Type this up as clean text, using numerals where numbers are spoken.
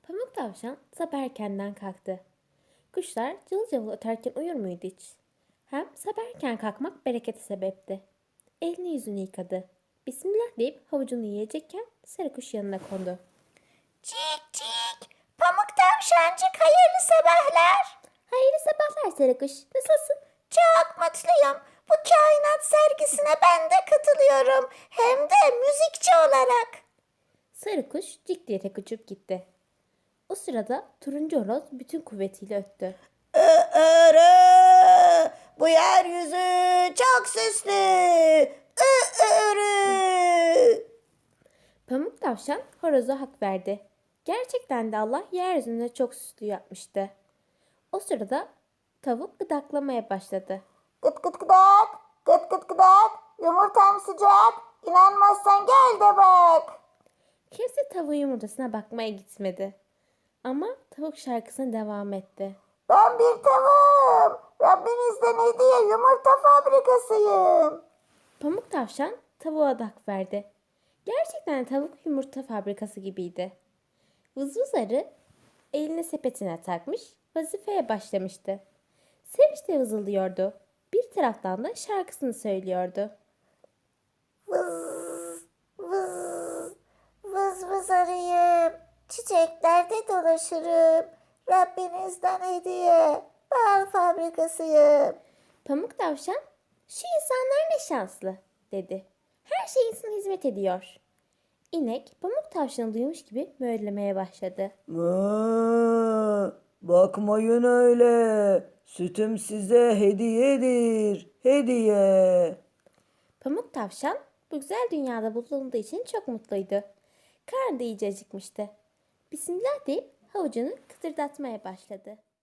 Pamuk tavşan sabah erkenden kalktı. Kuşlar cıvıl cıvıl öterken uyur muydu hiç? Hem sabah erken kalkmak berekete sebepti. Elini yüzünü yıkadı. Bismillah deyip havucunu yiyecekken sarı kuş yanına kondu. Cik cik. Pamuk tavşancık hayırlı sabahlar. Hayırlı sabahlar sarı kuş. Nasılsın? Çok mutluyum. Bu kainat sergisine ben de katılıyorum. Hem de müzikçi olarak. Sarı kuş cik diye tek uçup gitti. O sırada turuncu horoz bütün kuvvetiyle öttü. Irı, bu yeryüzü çok süslü. Irı. Pamuk tavşan horoza hak verdi. Gerçekten de Allah yeryüzünde çok süslü yapmıştı. O sırada tavuk gıdaklamaya başladı. Gıt gıt gıdak, gıt gıt gıdak. Yumurtam sıcak. İnanmazsan gel de bak. Kimse tavuğun yumurtasına bakmaya gitmedi. Ama tavuk şarkısına devam etti. Ben bir tavuğum. Rabbinizden hediye yumurta fabrikasıyım. Pamuk tavşan tavuğa da hak verdi. Gerçekten tavuk yumurta fabrikası gibiydi. Vızvız arı elini sepetine takmış, vazifeye başlamıştı. Sevinçle vızıldıyordu. Bir taraftan da şarkısını söylüyordu. Vız vız vız vız arıyım. Çiçeklerde dolaşırım. Rabbinizden hediye. Bal fabrikasıyım. Pamuk tavşan, şu insanlar ne şanslı dedi. Her şey insana hizmet ediyor. İnek pamuk tavşanı duymuş gibi möylemeye başladı. Bakmayın öyle. Sütüm size hediyedir. Hediye. Pamuk tavşan bu güzel dünyada bulunduğu için çok mutluydu. Karnı da iyice acıkmıştı. Bismillah deyip havucunu kıtırdatmaya başladı.